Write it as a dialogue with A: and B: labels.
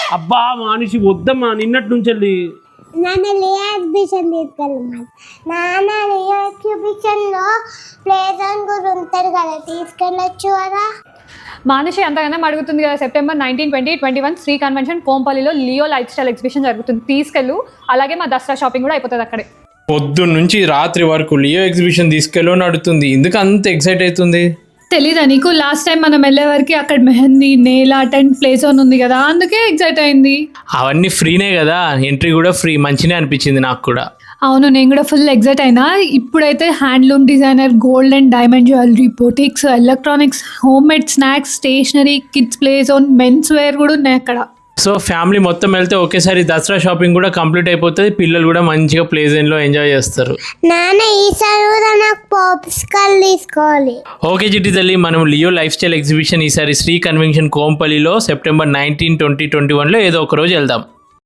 A: అబ్బా మనిషి వద్దమ్మా నిన్నటి నుంచి వెళ్ళి
B: నాన్న లియో ఎగ్జిబిషన్ తీసుకెళ్ళమని. నాన్న లియో ఎగ్జిబిషన్లో ప్లే జోన్ కూడా ఉంటాడు కదా, తీసుకెళ్ళచ్చు కదా.
C: మానుషి అంతగానే అడుగుతుంది కదా. సెప్టెంబర్ 19, 20, 21 శ్రీ కన్వెన్షన్ కోంపల్లిలో లియో లైఫ్ స్టైల్ ఎగ్జిబిషన్ జరుగుతుంది, తీసుకెళ్ళు. అలాగే మా దసరా షాపింగ్ కూడా అయిపోతుంది అక్కడే.
A: పొద్దున్న నుంచి రాత్రి వరకు లియో ఎగ్జిబిషన్ తీసుకెళ్ళి అడుగుతుంది. ఎందుకు అంత ఎక్సైట్ అవుతుంది?
C: తెలీదా నీకు? లాస్ట్ టైం మనం వెళ్ళే వరకు అక్కడ mehndi, nail art and play zone ఉంది కదా, అందుకే ఎక్సైట్ అయింది.
A: అవన్నీ ఫ్రీనే కదా, ఎంట్రీ కూడా ఫ్రీ. మంచినే అనిపించింది నాకు కూడా.
C: అవును, నేను కూడా ఫుల్ ఎక్సైట్ అయినా. ఇప్పుడైతే handloom designer, gold and diamond jewellery, boutiques, electronics, home made snacks, stationery, kids play zone, men's wear కూడా ఉన్నాయి అక్కడ.
A: సో ఫ్యామిలీ మొత్తం వెళ్తే ఒకేసారి దసరా షాపింగ్ కూడా కంప్లీట్ అయిపోతుంది. పిల్లలు కూడా మంచిగా ప్లే జోన్లో ఎంజాయ్ చేస్తారు.
B: నాన్న ఈసారి కూడా నాకు పాప్స్కార్న్ తీసుకోవాలి.
A: ఓకే చిట్టి తల్లి, మనం లియో లైఫ్ స్టైల్ ఎగ్జిబిషన్ ఈసారి శ్రీ కన్వెన్షన్ కోంపల్లిలో సెప్టెంబర్ 19, 20, 21లో ఏదో ఒక రోజు వెళ్దాం.